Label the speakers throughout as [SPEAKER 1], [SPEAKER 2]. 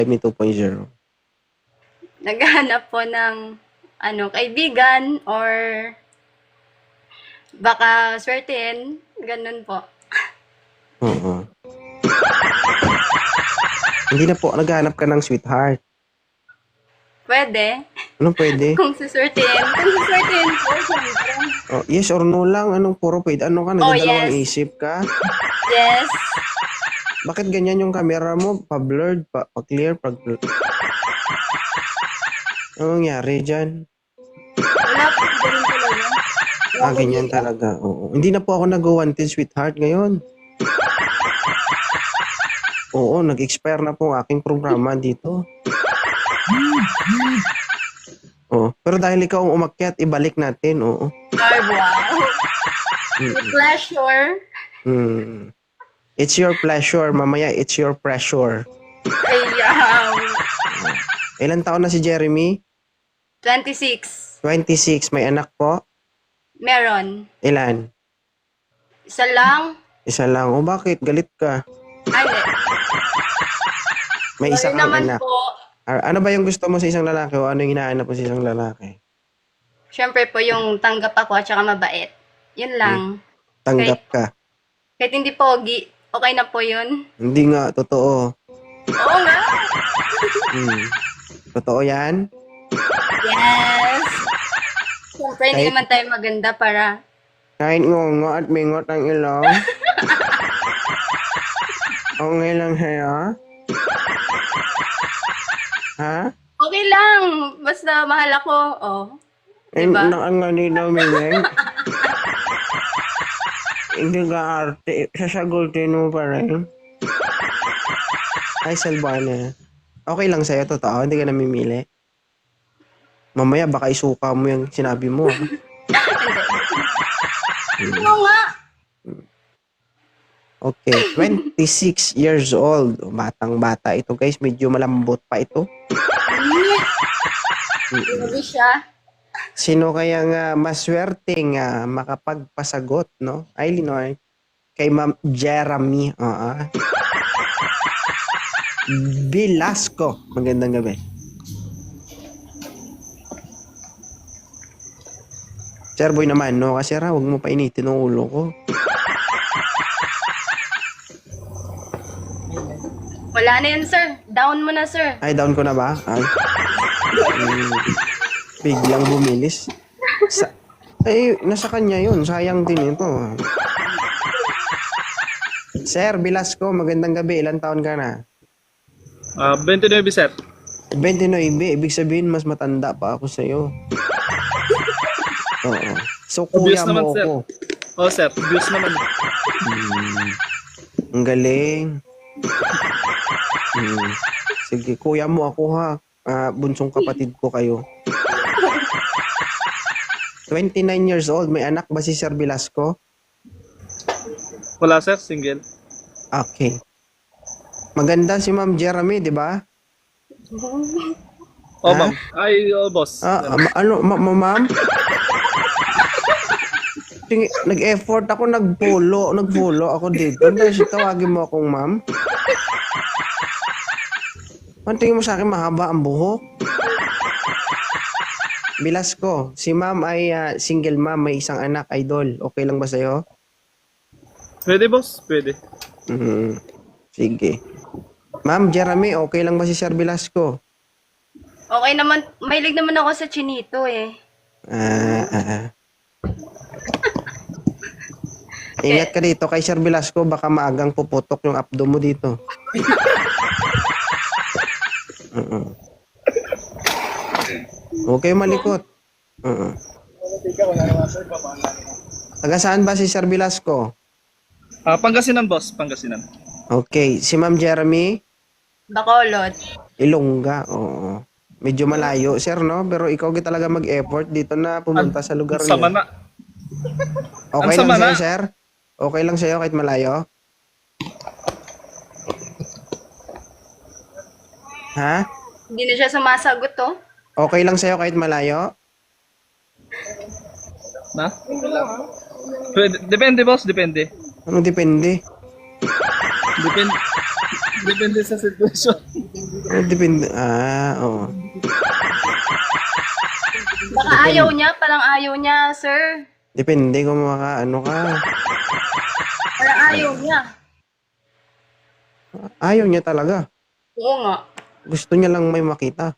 [SPEAKER 1] Me 2.0?
[SPEAKER 2] Naghahanap po ng kaibigan or baka swertein, ganun po.
[SPEAKER 1] Oo. Hindi na po naghahanap ka ng sweetheart.
[SPEAKER 2] Pwede.
[SPEAKER 1] Anong pwede?
[SPEAKER 2] Kung suswertein. Kung suswertein po, syempre.
[SPEAKER 1] Oh, yes or no lang. Anong puro pwede? Ano ka?
[SPEAKER 2] Oh,
[SPEAKER 1] Nagdadalawang
[SPEAKER 2] yes.
[SPEAKER 1] isip ka?
[SPEAKER 2] Yes.
[SPEAKER 1] Bakit ganyan yung camera mo? Pa-blurred, pa-clear, pa-blurred. Anong nangyari dyan?
[SPEAKER 2] Wala po, ganun talaga.
[SPEAKER 1] Ganyan talaga. Oo. Hindi na po ako nag-wanted sweetheart ngayon. Oo, nag-expire na po ang aking programa dito. Oo. Pero dahil ikaw ang umakyat, ibalik natin. Oo.
[SPEAKER 2] Ay, wow. With pleasure.
[SPEAKER 1] It's your pleasure. Mamaya, it's your pressure.
[SPEAKER 2] Ayaw.
[SPEAKER 1] Ilan taon na si Jeremy?
[SPEAKER 2] 26.
[SPEAKER 1] 26. May anak po?
[SPEAKER 2] Meron.
[SPEAKER 1] Ilan?
[SPEAKER 2] Isa lang.
[SPEAKER 1] Isa lang. O bakit? Galit ka?
[SPEAKER 2] Ay, hindi.
[SPEAKER 1] May isa
[SPEAKER 2] Sorry
[SPEAKER 1] kang
[SPEAKER 2] naman
[SPEAKER 1] anak.
[SPEAKER 2] po.
[SPEAKER 1] Ano ba yung gusto mo sa isang lalaki o ano yung hinahanap mo sa isang lalaki?
[SPEAKER 2] Siyempre po yung tanggap ako at saka mabait. Yun lang.
[SPEAKER 1] Tanggap ka.
[SPEAKER 2] Kahit hindi pogi, okay na po yun.
[SPEAKER 1] Hindi nga. Totoo.
[SPEAKER 2] Oo nga.
[SPEAKER 1] Totoo yan?
[SPEAKER 2] Yes. Siyempre, hindi
[SPEAKER 1] Kahit-
[SPEAKER 2] naman tayo maganda para...
[SPEAKER 1] Kahit ngongo at mingot ang ilong. Okay lang sa'yo? Ha?
[SPEAKER 2] Okay lang. Basta mahal ako. Oh. Diba?
[SPEAKER 1] Ang ganito, Mimeng. Hindi ka arte. Sasagutin mo pa rin. Ay, Salbana. Okay lang sa'yo, totoo. Hindi ka namimili. Mamaya, baka isuka mo yung sinabi mo.
[SPEAKER 2] Oo nga.
[SPEAKER 1] Okay, 26 years old. Batang-bata ito, guys. Medyo malambot pa ito.
[SPEAKER 2] Hindi siya.
[SPEAKER 1] Sino kaya nga maswerteng makapagpasagot, no? Ay, Linoy. Kay Ma'am Jeremy. Velasco. Magandang gabi. Sir Boy naman, no? Kasi huwag mo pa initin ang ulo ko.
[SPEAKER 2] Wala na yan, sir. Down mo na, sir.
[SPEAKER 1] Ay, down ko na ba? Ay. Biglang bumilis. Nasa kanya yun. Sayang din ito. Sir Velasco, magandang gabi. Ilan taon ka na?
[SPEAKER 3] 29, sir.
[SPEAKER 1] 29. Ibig sabihin, mas matanda pa ako sa'yo. Oo. So,
[SPEAKER 3] Obvious
[SPEAKER 1] kuya
[SPEAKER 3] naman,
[SPEAKER 1] mo
[SPEAKER 3] sir.
[SPEAKER 1] ako.
[SPEAKER 3] Oh, sir. Views naman.
[SPEAKER 1] Ang galing. Sige, kuya mo ako ha. Bunsong kapatid ko kayo. 29 years old. May anak ba si Sir Velasco?
[SPEAKER 3] Wala, sir. Single.
[SPEAKER 1] Okay. Maganda si Ma'am Jeremy, di ba?
[SPEAKER 3] Oh,
[SPEAKER 1] Ha?
[SPEAKER 3] ma'am. Ay, oh, boss.
[SPEAKER 1] Ma'am? Nag-effort ako, nag-follow ako dito. Dahil tawagin mo akong ma'am. Ang tingin mo sa akin, mahaba ang buhok? Velasco, si ma'am ay single ma'am, may isang anak, idol. Okay lang ba sa'yo?
[SPEAKER 3] Pwede, boss. Pwede.
[SPEAKER 1] Sige. Ma'am Jeremy, okay lang ba si Sir Velasco?
[SPEAKER 2] Okay naman. Mahilig naman ako sa chinito eh.
[SPEAKER 1] Ingat ka dito kay Sir Velasco, baka maagang puputok yung abdo mo dito. Okay, malikot. Taga saan ba si Sir Velasco?
[SPEAKER 3] Pangasinan, boss. Pangasinan.
[SPEAKER 1] Okay, si Ma'am Jeremy,
[SPEAKER 2] Bacolod.
[SPEAKER 1] Ilongga. Oo. Medyo malayo, sir, no? Pero ikaw talaga mag-effort dito na pumunta sa lugar
[SPEAKER 3] Sama
[SPEAKER 1] niyo.
[SPEAKER 3] na.
[SPEAKER 1] Okay
[SPEAKER 3] Ang
[SPEAKER 1] lang
[SPEAKER 3] sama
[SPEAKER 1] sa'yo,
[SPEAKER 3] na.
[SPEAKER 1] sir? Okay lang sa'yo kahit malayo? Ha?
[SPEAKER 2] Hindi na siya sumasagot oh.
[SPEAKER 1] Okay lang sa'yo kahit malayo?
[SPEAKER 3] Na? Pwede. Depende, boss. Depende.
[SPEAKER 1] Anong depende?
[SPEAKER 3] Depende sa sitwasyon.
[SPEAKER 1] Depende. Oo.
[SPEAKER 2] Baka ayaw niya, parang ayaw niya, sir.
[SPEAKER 1] Depende kung ano ka.
[SPEAKER 2] Parang ayaw niya.
[SPEAKER 1] Ayaw niya talaga.
[SPEAKER 2] Oo nga.
[SPEAKER 1] Gusto niya lang may makita.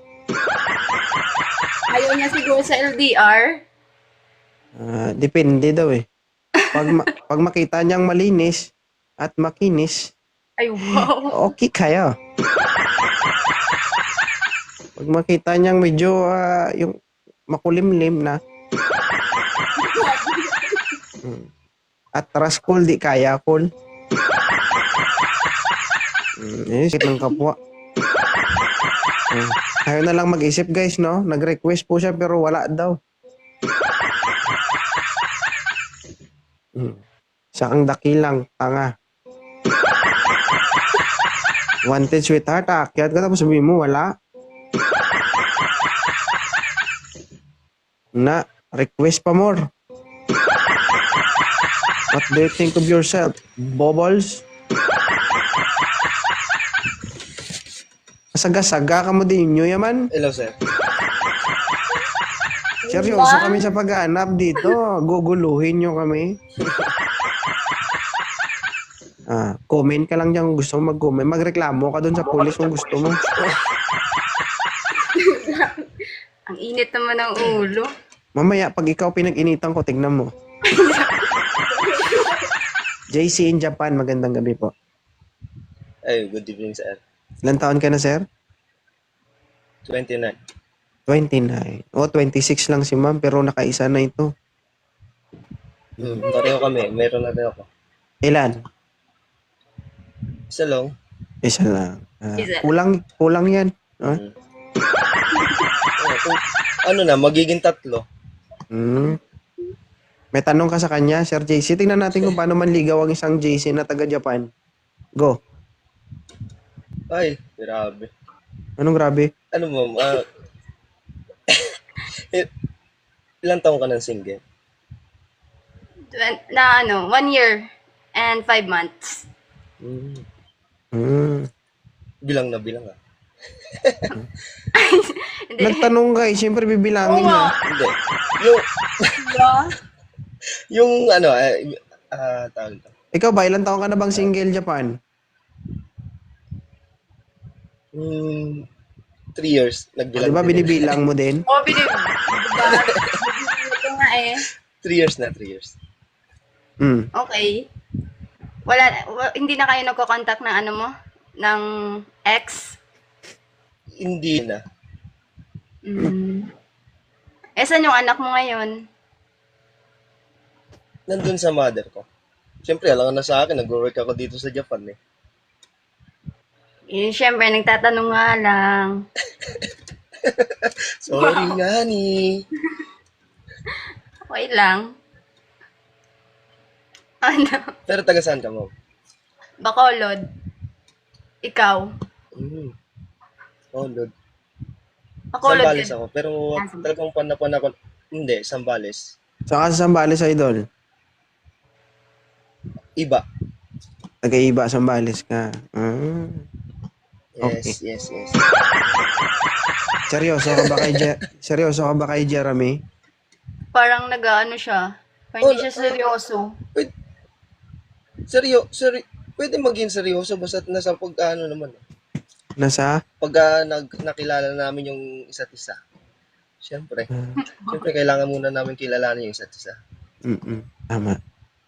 [SPEAKER 2] Ayaw niya siguro sa LDR.
[SPEAKER 1] Depende daw eh. Pag makita niyang malinis at makinis,
[SPEAKER 2] Ay, wow.
[SPEAKER 1] okay kayo. Pag makita niyang medyo yung makulimlim na at raskol di kaya kol. Sakit ng kapwa. Ayaw na lang mag-isip guys, no? Nag-request po siya pero wala daw. Sakang dakilang, tanga. Wanted sweetheart, aakyat ka tapos sabihin mo wala. Na, request pa more. What do you think of yourself? Bubbles? Saga-saga ka mo din nyo yaman.
[SPEAKER 4] Hello, sir.
[SPEAKER 1] Seryoso kami sa paghahanap dito. Guguluhin nyo kami. Comment ka lang dyan kung gusto mo mag-comment. Magreklamo ka dun sa pulis kung gusto mo.
[SPEAKER 2] Ang init naman ng ulo.
[SPEAKER 1] Mamaya, pag ikaw pinag-initan ko, tignan mo. JC in Japan, magandang gabi po.
[SPEAKER 4] Ay, good evening, sir.
[SPEAKER 1] Ilan taon ka na, sir?
[SPEAKER 4] 29.
[SPEAKER 1] 29. 26 lang si ma'am, pero nakaisa na ito.
[SPEAKER 4] Pareho kami. Meron na rin ako.
[SPEAKER 1] Ilan?
[SPEAKER 4] Isa lang.
[SPEAKER 1] Isa lang.
[SPEAKER 2] Isa.
[SPEAKER 1] Kulang yan.
[SPEAKER 4] Ano na, magiging 3.
[SPEAKER 1] May tanong ka sa kanya, Sir JC. Tingnan natin kung paano manligaw ang isang JC na taga-Japan. Go.
[SPEAKER 4] Ay, grabe.
[SPEAKER 1] Anong grabe?
[SPEAKER 4] Ano mo, ilang taong ka ng single?
[SPEAKER 2] Na 1 year and 5 months.
[SPEAKER 4] Bilang na bilang, ah.
[SPEAKER 2] Hindi.
[SPEAKER 1] Nagtanong ka eh. Siyempre bibilangin
[SPEAKER 2] Oo
[SPEAKER 1] niya.
[SPEAKER 2] nga.
[SPEAKER 4] Hindi. Yung,
[SPEAKER 2] Diba?
[SPEAKER 4] yung ano, tawag ito.
[SPEAKER 1] Ikaw ba, ilang taon ka na bang single Japan?
[SPEAKER 4] 3 years. Nagbilang
[SPEAKER 1] Di ba
[SPEAKER 4] din.
[SPEAKER 1] binibilang mo din?
[SPEAKER 2] Oo, diba? Ito nga eh.
[SPEAKER 4] 3 years na, 3 years.
[SPEAKER 2] Okay. Hindi na kayo nagko-contact ng ano mo? Ng ex?
[SPEAKER 4] Hindi na.
[SPEAKER 2] Saan yung anak mo ngayon?
[SPEAKER 4] Nandun sa mother ko. Siyempre, alam ka na sa akin, nag-work ako dito sa Japan, eh.
[SPEAKER 2] Siyempre, nagtatanong nga lang.
[SPEAKER 4] Sorry nga ni.
[SPEAKER 2] Okay lang. Ano?
[SPEAKER 4] Pero taga saan ka, ma'am?
[SPEAKER 2] Bacolod. Ikaw?
[SPEAKER 4] Oh, Lord.
[SPEAKER 2] Bacolod
[SPEAKER 4] Sambales
[SPEAKER 2] din.
[SPEAKER 4] ako. Pero talagang pan ako. Hindi, Sambales.
[SPEAKER 1] Saka sa Sambales, idol.
[SPEAKER 4] Iba.
[SPEAKER 1] Taga-iba, Sambales ka.
[SPEAKER 4] Yes, yes, yes.
[SPEAKER 1] Seryoso ka ba kay Jeremy?
[SPEAKER 2] Parang nag-ano siya. Parang hindi siya seryoso.
[SPEAKER 4] Pwede maging seryoso basta nasa pag-ano naman.
[SPEAKER 1] Nasa?
[SPEAKER 4] Pag nakilala namin yung isa't isa. Siyempre kailangan muna namin kilalanin yung isa't isa.
[SPEAKER 1] Tama.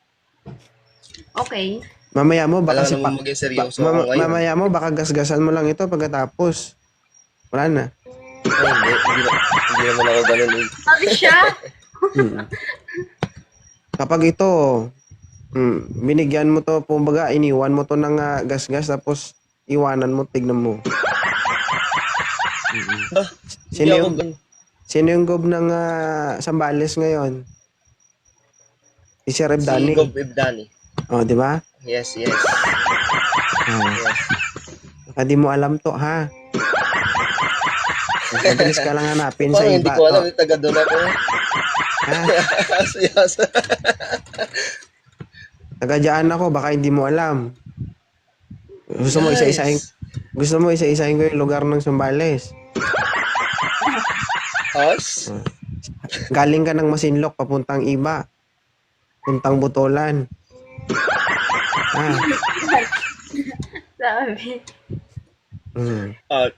[SPEAKER 2] Okay.
[SPEAKER 1] Mamaya mo baka
[SPEAKER 4] Kailangan naman maging seryoso ako ngayon.
[SPEAKER 1] mamaya mo baka gasgasan mo lang ito pagkatapos. Wala na.
[SPEAKER 4] Ay, hindi naman ako ganun.
[SPEAKER 2] Sabi siya.
[SPEAKER 1] Kapag ito, binigyan mo to, kumbaga, iniwan mo to ng gasgas, tapos iwanan mo, tignan mo.
[SPEAKER 4] Hindi ako ganun.
[SPEAKER 1] Sino yung gob ng Sambales ngayon? Si Sir
[SPEAKER 4] Si
[SPEAKER 1] Ebdani.
[SPEAKER 4] Gob Ebdani.
[SPEAKER 1] Oh, di ba?
[SPEAKER 4] Yes, yes.
[SPEAKER 1] Yes. Baka di mo alam to, ha? Mabilis ka lang hanapin sa
[SPEAKER 4] Parang
[SPEAKER 1] iba
[SPEAKER 4] hindi ko alam,
[SPEAKER 1] to.
[SPEAKER 4] taga doon ako.
[SPEAKER 1] Ha?
[SPEAKER 4] Siyasa.
[SPEAKER 1] Taga dyan ako, baka hindi mo alam. Gusto mo isa-isahin ko yung lugar ng Zambales.
[SPEAKER 4] Us?
[SPEAKER 1] Galing ka ng Masinloc papuntang Iba. Puntang Butolan. Ah.
[SPEAKER 2] Sabi.
[SPEAKER 1] Mm.
[SPEAKER 4] Ah,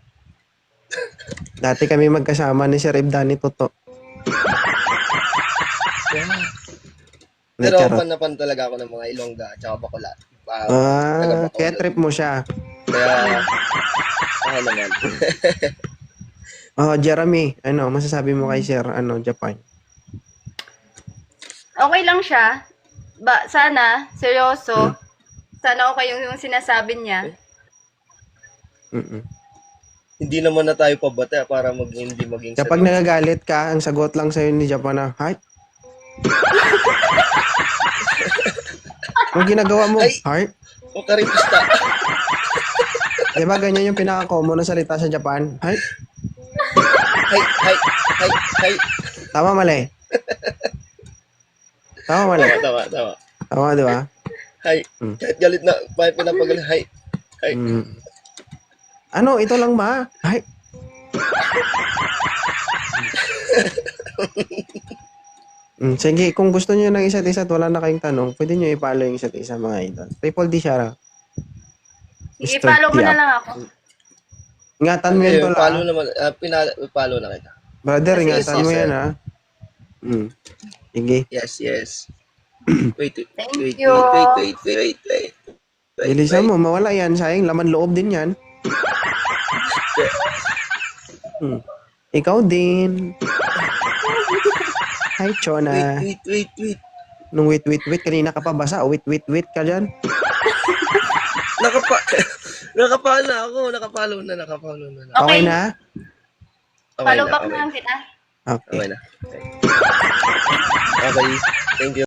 [SPEAKER 1] Dati kami magkasama ni Sir Ibdani Toto.
[SPEAKER 4] pero
[SPEAKER 1] Charot.
[SPEAKER 4] pan na pan talaga ako ng mga Ilongga at saka Bacolod. Taga Bacolod.
[SPEAKER 1] Kaya trip mo siya.
[SPEAKER 4] Kaya, naman.
[SPEAKER 1] Oh, Jeremy, ano masasabi mo kay Sir Japan?
[SPEAKER 2] Okay lang siya. Sana, seryoso. Sana okay yung sinasabi niya.
[SPEAKER 1] Mm-mm.
[SPEAKER 4] Hindi naman na tayo pabata para hindi maging
[SPEAKER 1] Kapag nagagalit ka, ang sagot lang sa'yo ni Japan na, heart? Ang ginagawa mo,
[SPEAKER 4] Ay!
[SPEAKER 1] heart?
[SPEAKER 4] O karipista.
[SPEAKER 1] Di ba ganyan yung pinaka-common na salita sa Japan? Heart?
[SPEAKER 4] Hay.
[SPEAKER 1] Tama, mali? Tama, mali?
[SPEAKER 4] Tama.
[SPEAKER 1] Tama, di ba?
[SPEAKER 4] Hay. Kahit galit na, may pinapagalit. Hay.
[SPEAKER 1] Mm. Ano, ito lang ba? Hay? Sige, kung gusto niyo ng isa't isa at wala na kayong tanong, pwede niyo i-follow yung isa't isa mga idol. Triple D siya.
[SPEAKER 2] Sige,
[SPEAKER 1] Mr.
[SPEAKER 2] follow mo na
[SPEAKER 1] Tiap.
[SPEAKER 2] lang ako.
[SPEAKER 1] Ingatan mo yan
[SPEAKER 4] Ayun,
[SPEAKER 1] tol,
[SPEAKER 4] follow
[SPEAKER 1] ah.
[SPEAKER 4] naman. Follow na kita.
[SPEAKER 1] Brother,
[SPEAKER 2] Sige,
[SPEAKER 1] ingatan mo
[SPEAKER 4] sir.
[SPEAKER 1] yan, ha. Sige.
[SPEAKER 4] Yes. Wait.
[SPEAKER 2] Thank
[SPEAKER 4] Wait.
[SPEAKER 2] you.
[SPEAKER 1] Bilisan mo, mawala yan. Sayang, laman loob din yan. Ikaw din. Hi, Chona.
[SPEAKER 4] Wait.
[SPEAKER 1] Nung wait, kanina ka pa basa. Wait ka dyan.
[SPEAKER 4] Nakapalo na ako. Nakapalo na.
[SPEAKER 1] Okay
[SPEAKER 2] Okay.
[SPEAKER 1] na?
[SPEAKER 2] Follow back na lang kita.
[SPEAKER 1] Okay.
[SPEAKER 4] Okay na. Okay. Thank you.